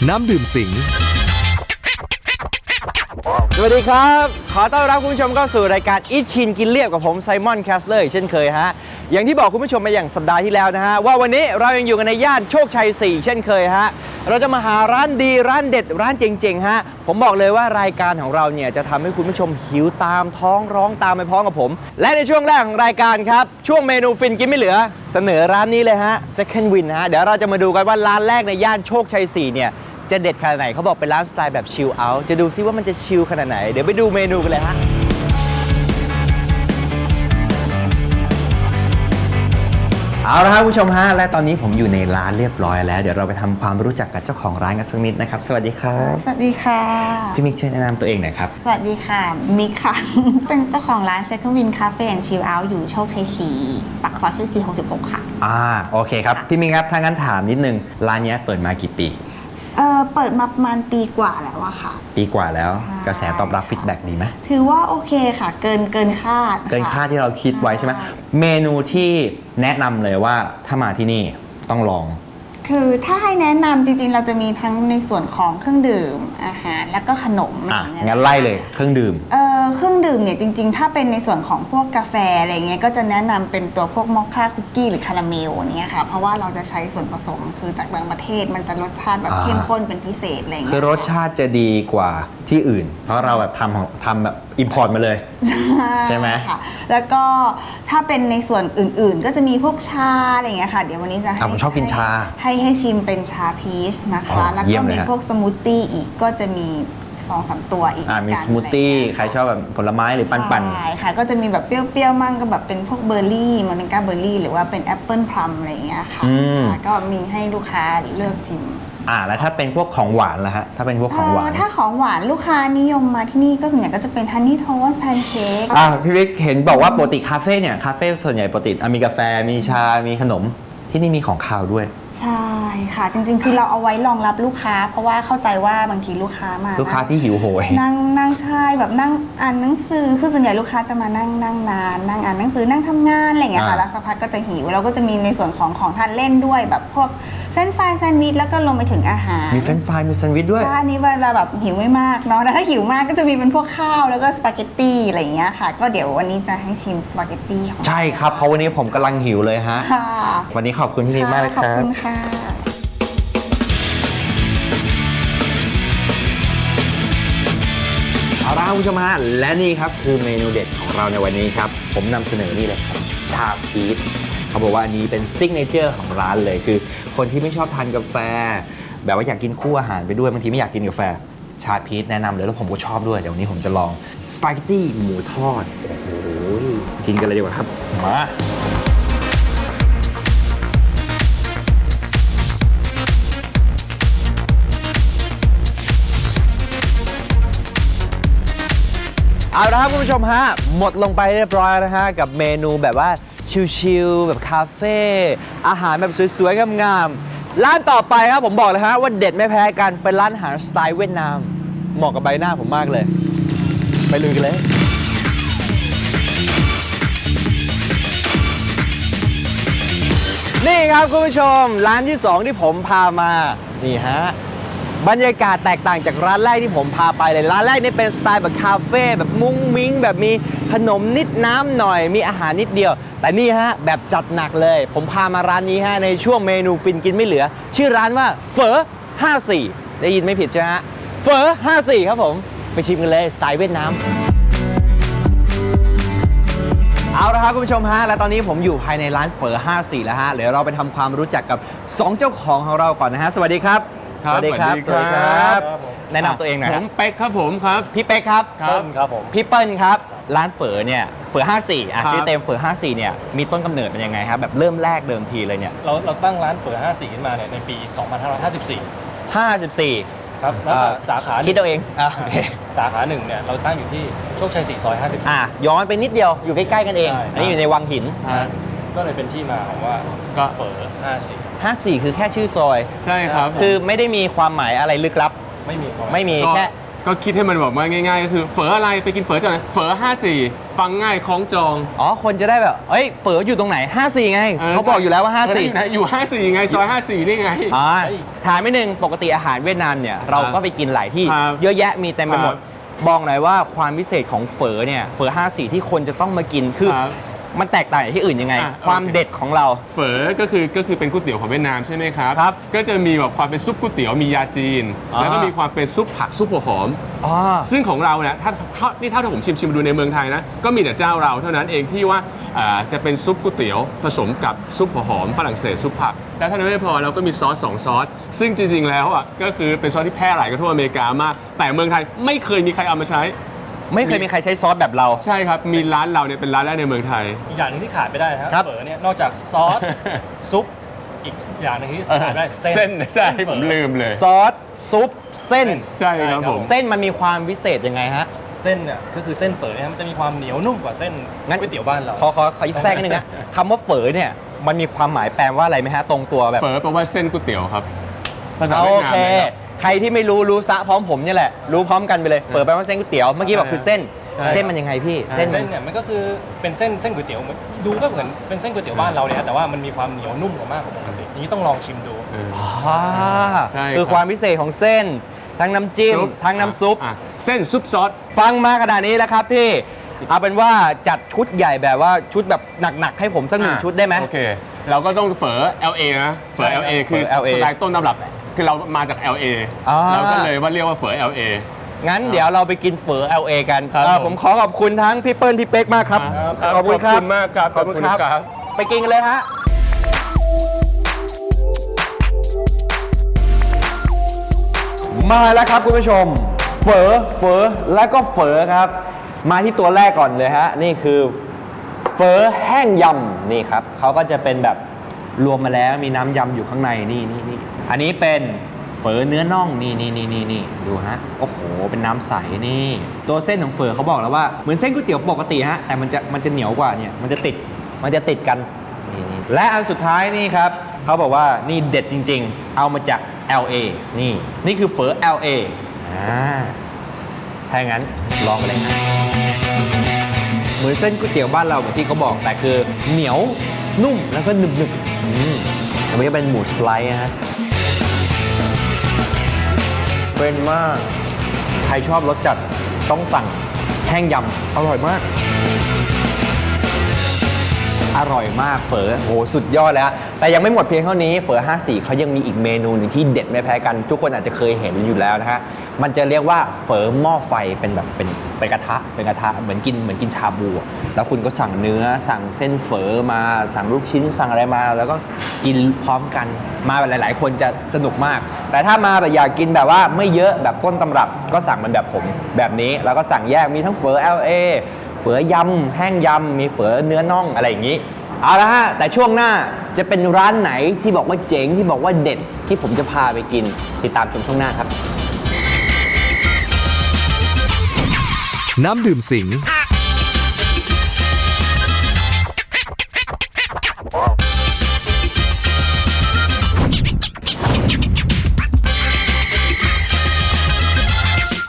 น้ำดื่มสิงสวัสดีครับขอต้อนรับคุณผู้ชมเข้าสู่รายการอีทคินกินเรียบกับผมไซมอนแคสเลอร์เช่นเคยฮะอย่างที่บอกคุณผู้ชมมาอย่างสัปดาห์ที่แล้วนะฮะว่าวันนี้เรายังอยู่กันในย่านโชคชัย 4 เช่นเคยฮะเราจะมาหาร้านดีร้านเด็ดร้านเจ๋งๆฮะผมบอกเลยว่ารายการของเราเนี่ยจะทำให้คุณผู้ชมหิวตามท้องร้องตามไปพร้อมกับผมและในช่วงแรกของรายการครับช่วงเมนูฟินกินไม่เหลือเสนอร้านนี้เลยฮะ Second Win ฮะเดี๋ยวเราจะมาดูกันว่าร้านแรกในย่านโชคชัย 4 เนี่ยจะเด็ดขนาดไหนเขาบอกเป็นร้านสไตล์แบบชิลเอาท์จะดูซิว่ามันจะชิลขนาดไหนเดี๋ยวไปดูเมนูกันเลยฮะเอาละครับคุณผู้ชมฮะและตอนนี้ผมอยู่ในร้านเรียบร้อยแล้วเดี๋ยวเราไปทำความรู้จักกับเจ้าของร้านกันสักนิดนะครับสวัสดีครับสวัสดีค่ะพี่มิกช่วยแนะนำตัวเองหน่อยครับสวัสดีค่ะมิกค่ะ เป็นเจ้าของร้าน Second Win Cafe and Chill Out อยู่โชคชัย 4 ปากซอยโชคชัย 66 ค่ะโอเคครับพี่มิกครับถ้างั้นถามนิดนึงร้านนี้เปิดมากี่ปีเปิดมาประมาณปีกว่าแล้วอะค่ะปีกว่าแล้วกระแสตอบรับฟีดแบ็กดีไหมถือว่าโอเคค่ะเกินคาดเกินคาดที่เราคิดไว้ใช่ไหมเมนูที่แนะนำเลยว่าถ้ามาที่นี่ต้องลองคือถ้าให้แนะนำจริงๆเราจะมีทั้งในส่วนของเครื่องดื่มอาหารแล้วก็ขนมงั้นไล่เลยเครื่องดื่มเครื่องดื่มเนี่ยจริงๆถ้าเป็นในส่วนของพวกกาแฟอะไรเงี้ยก็จะแนะนำเป็นตัวพวกมอคค่าคุกกี้หรือคาราเมลเนี้ยค่ะเพราะว่าเราจะใช้ส่วนผสมคือจากบางประเทศมันจะรสชาติแบบเข้มข้นเป็นพิเศษอะไรเงี้ยคือรสชาติจะดีกว่าที่อื่นเพราะเราแบบทำแบบอิมพอร์ตมาเลยใช่ไหมค่ะแล้วก็ถ้าเป็นในส่วนอื่นๆก็จะมีพวกชาอะไรเงี้ยค่ะเดี๋ยววันนี้จะให้ผมชอบกินชาให้ชิมเป็นชาพีชนะคะแล้วก็มีพวกสมูทตี้อีกก็จะมี2-3 ตัวอีกมีสมูทตี้ใครชอบแบบผลไม้หรือปั่นใช่ค่ะก็จะมีแบบเปรี้ยวๆมั่งก็แบบเป็นพวกเบอร์รี่มอริงกาเบอร์รี่หรือว่าเป็นแอปเปิลพลัมอะไรอย่างเงี้ยค่ะก็มีให้ลูกค้าเลือกชิมแล้วถ้าเป็นพวกของหวานล่ะฮะถ้าเป็นพวกของหวานถ้าของหวานลูกค้านิยมมาที่นี่ก็ส่วนใหญ่ก็จะเป็นฮันนี่โทสต์แพนเค้กพี่วิกเห็นบอกว่าปกติคาเฟ่เนี่ยคาเฟ่ส่วนใหญ่ปกติมีกาแฟมีชามีขนมที่นี่มีของคาวด้วยใช่ค่ะจริงๆคือเราเอาไว้รองรับลูกค้าเพราะว่าเข้าใจว่าบางทีลูกค้ามาลูกค้าที่หิวโหยนั่งใช่แบบนั่งอ่านหนังสือคือส่วนใหญ่ลูกค้าจะมานั่งนานนั่งอ่านหนังสือนั่งทำงานอะไรอย่างเงี้ยค่ะแล้วสักพักก็จะหิวเราก็จะมีในส่วนของทานเล่นด้วยแบบพวกเฟรนช์ฟรายแซนด์วิชแล้วก็ลงไปถึงอาหารมีเฟรนช์ฟรายมีแซนด์วิชด้วยใช่นี่เวลาแบบหิวไม่มากเนาะแต่ถ้าหิวมากก็จะมีเป็นพวกข้าวแล้วก็สปาเกตตี้อะไรอย่างเงี้ยค่ะก็เดี๋ยววันนี้จะให้ชิมสปาเกตตี้ใช่ครับเพราะวันนี้ผมกำลังหิวเลยฮะวันนี้ขอบคุณพี่นิดมากเลยครับขอบคุณค่ะเอาละคุณผู้ชมฮะและนี่ครับคือเมนูเด็ดของเราในวันนี้ครับผมนำเสนอนี่เลยครับชาพีชเขาบอกว่าอันนี้เป็นซิกเนเจอร์ของร้านเลยคือคนที่ไม่ชอบทานกาแฟแบบว่าอยากกินคู่อาหารไปด้วยบางทีไม่อยากกินกาแฟชาพีชแนะนำเลยแล้วผมก็ชอบด้วยเดี๋ยววันนี้ผมจะลองสปาเกตตี้หมูทอดโอ้โหกินกันเลยดีกว่าครับมาเอาละครับคุณผู้ชมฮะหมดลงไปเรียบร้อยนะฮะกับเมนูแบบว่าชิลๆแบบคาเฟ่อาหารแบบสวยๆงามๆร้านต่อไปครับผมบอกเลยฮะว่าเด็ดไม่แพ้กันเป็นร้านอาหารสไตล์เวียดนามเหมาะกับใบหน้าผมมากเลยไปลุยกันเลยนี่ครับคุณผู้ชมร้านที่2ที่ผมพามานี่ฮะบรรยากาศแตกต่างจากร้านแรกที่ผมพาไปเลยร้านแรกนี่เป็นสไตล์แบบคาเฟ่แบบมุ้งมิ้งแบบมีขนมนิดน้ำหน่อยมีอาหารนิดเดียวแต่นี่ฮะแบบจัดหนักเลยผมพามาร้านนี้ฮะในช่วงเมนูฟินกินไม่เหลือชื่อร้านว่าเฝอ54ได้ยินไม่ผิดใช่ไหมฮะเฝอ54ครับผมไปชิมกันเลยสไตล์เวียดนามเอาละครับคุณผู้ชมฮะและตอนนี้ผมอยู่ภายในร้านเฝอ54แล้วฮะเดี๋ยวเราไปทำความรู้จักกับ2เจ้าของเราก่อนนะฮะสวัสดีครับสวัสดีครับสวัสดีครับแนะนำตัวเองหน่อยผมเป๊กครับผมครับพี่เป๊กครับเปิ้ลครับผมพี่เปิ้ลครับร้านเฝอเนี่ยเฝอ54ชื่อเต็มเฝอ54เนี่ยมีต้นกำเนิดเป็นยังไงครับแบบเริ่มแรกเดิมทีเลยเนี่ยเราตั้งร้านเฝอ54ขึ้นมาเนี่ยในปี 2554ครับแล้วสาขาคิดเอาเองสาขาหนึ่งเนี่ยเราตั้งอยู่ที่โชคชัย4ซอย54 ย้อนไปนิดเดียวอยู่ใกล้ๆกันเองอันนี้อยู่ในวังหินก็เลยเป็นที่มาของว่าเฝอ54 คือแค่ชื่อซอยใช่ครับคือไม่ได้มีความหมายอะไรลึกลับไม่มีแค่ก็คิดให้มันแบบว่าง่ายๆก็คือเฝออะไรไปกินเฝอจากไหนเฝอ54ฟังง่ายคล้องจองอ๋อคนจะได้แบบเอ้ยเฝออยู่ตรงไหน 54 ไงเขาบอกอยู่แล้วว่า 54 อยู่54ไงซอย54นี่ไงอ่าถามไม่หนึ่งปกติอาหารเวียดนามเนี่ยเราก็ไปกินหลายที่ครับเยอะแยะมีเต็มไปหมดครับบอกหน่อยว่าความพิเศษของเฝอเนี่ยเฝอ54 ที่คนจะต้องมากินคือครับมันแตกต่างจากที่อื่นยังไงอ่ะความโอเคเด็ดของเราเฝอก็คือเป็นก๋วยเตี๋ยวของเวียดนามใช่ไหมครับครับก็จะมีแบบความเป็นซุปก๋วยเตี๋ยวมียาจีนอ่าแล้วก็มีความเป็นซุปผักซุปหัวหอมอ๋อซึ่งของเราเนี่ยถ้าผมชิมดูในเมืองไทยนะก็มีแต่เจ้าเราเท่านั้นเองที่ว่าจะเป็นซุปก๋วยเตี๋ยวผสมกับซุปหัวหอมฝรั่งเศสซุปผักแล้วเท่านั้นไม่พอเราก็มีซอส2ซอสซึ่งจริงๆแล้วอ่ะก็คือเป็นซอสที่แพร่หลายกันทั่วอเมริกามาก แต่เมืองไทยไม่เคยมีใครเอามาใช้ไม่เคยมีใครใช้ซอสแบบเราใช่ครับมีร้านเราเนี่ยเป็นร้านแรกในเมืองไทยอีกอย่างหนึงที่ขาดไม่ได้นะครับครับเฝอเนี่ยนอกจากซอส ซุปอีกอย่างหนึงที่ขาดไม่ได้เส้นเส้นใช่เฝอผมลืมเลยซอสซุปเส้นใช่ครับผมเส้นมันมีความพิเศษยังไงฮะเส้นเนี่ยก็คือเส้นเฝอเนี่ยมันจะมีความเหนียวนุ่มกว่าเส้นงั้นก๋วยเตี๋ยวบ้านเราขอแทรกนิดนึงนะคำว่าเฝอเนี่ยมันมีความหมายแปลว่าอะไรไหมฮะตรงตัวแบบเฝอแปลว่าเส้นก๋วยเตี๋ยวครับภาษาโอเวียดนามเคนะครับใครที่ไม่รู้ซะพร้อมผมเนี่ยแหละ รู้พร้อมกันไปเลย เปิดไปว่าเส้นก๋วยเตี๋ยว เมื่อกี้บอกคือเส้นใช่เส้นมันยังไงพี่ เส้นเส้นเนี่ยมันก็คือเป็นเส้นก๋วยเตี๋ยวดูก็เหมือนเป็นเส้นก๋วยเตี๋ยวบ้านเราเนี่ยแต่ว่ามันมีความเหนียวนุ่มกว่ามากกว่าปกติอย่างนี้ต้องลองชิมดูเอออ่าใช่ครับคือความพิเศษของเส้น ทั้งน้ำจิ้ม ทั้งน้ำซุปอ่ะเส้นซุปซอสฟังมาขนาดนี้แล้วครับพี่ เอาเป็นว่าจัดชุดใหญ่แบบว่าชุดแบบหนักๆให้ผมสักหนึ่งชุดได้ไหมโอเค เราก็ต้องเฝอ LA นะเฝอ LA คือเฝอ LA สไตล์ต้นตำรับ คือเรามาจาก LA อ่าเราก็เลยว่าเรียกว่าเฝอ LA งั้นเดี๋ยวเราไปกินเฝอ LA กันครับผมขอขอบคุณทั้งพี่เปิ้ลพี่เป๊กมากครับขอบคุณมากครับขอบคุณครับ ไปกินกันเลยฮะ มาแล้วครับคุณผู้ชม เฝอแล้วก็เฝอครับ มาที่ตัวแรกก่อนเลยฮะ นี่คือเฝอแห้งยำนี่ครับเขาก็จะเป็นแบบรวมมาแล้วมีน้ำยำอยู่ข้างในนี่อันนี้เป็นเฝอเนื้อน่องนี่ดูฮะโอ้โหเป็นน้ำใสนี่ตัวเส้นของเฝอเขาบอกแล้วว่าเหมือนเส้นก๋วยเตี๋ยวปกติฮะแต่มันจะเหนียวกว่าเนี่ยมันจะติดกันนี่และอันสุดท้ายนี่ครับเขาบอกว่านี่เด็ดจริงๆ เอามาจาก LA นี่คือเฝอ LA ถ้าอย่างนั้นลองกันเลยฮะเหมือนเส้นก๋วยเตี๋ยวบ้านเราเหมือนที่เขาบอกแต่คือเหนียวนุ่มแล้วก็หนึบอันนี้เป็นหมูสไลด์ฮะเป็นมากใครชอบรสจัดต้องสั่งแห้งยำอร่อยมากเฝอโหสุดยอดแล้วแต่ยังไม่หมดเพียงเท่านี้เฝอ54เขายังมีอีกเมนูหนึ่งที่เด็ดไม่แพ้กันทุกคนอาจจะเคยเห็นอยู่แล้วนะฮะมันจะเรียกว่าเฝอหม้อไฟเป็นแบบเป็นกระทะเหมือนกินชาบูอะแล้วคุณก็สั่งเนื้อสั่งเส้นเฝอมาสั่งลูกชิ้นสั่งอะไรมา แล้วก็กินพร้อมกันมาแบบหลายๆคนจะสนุกมากแต่ถ้ามาแบบอยากกินแบบว่าไม่เยอะแบบต้นตำรับก็สั่งมันแบบผมแบบนี้แล้วก็สั่งแยกมีทั้งเฝอ LAเฝอยำแห้งยำมีเฝอเนื้อน่องอะไรอย่างนี้เอาละฮะแต่ช่วงหน้าจะเป็นร้านไหนที่บอกว่าเจ๋งที่บอกว่าเด็ดที่ผมจะพาไปกินติดตามชมช่วงหน้าครับน้ำดื่มสิง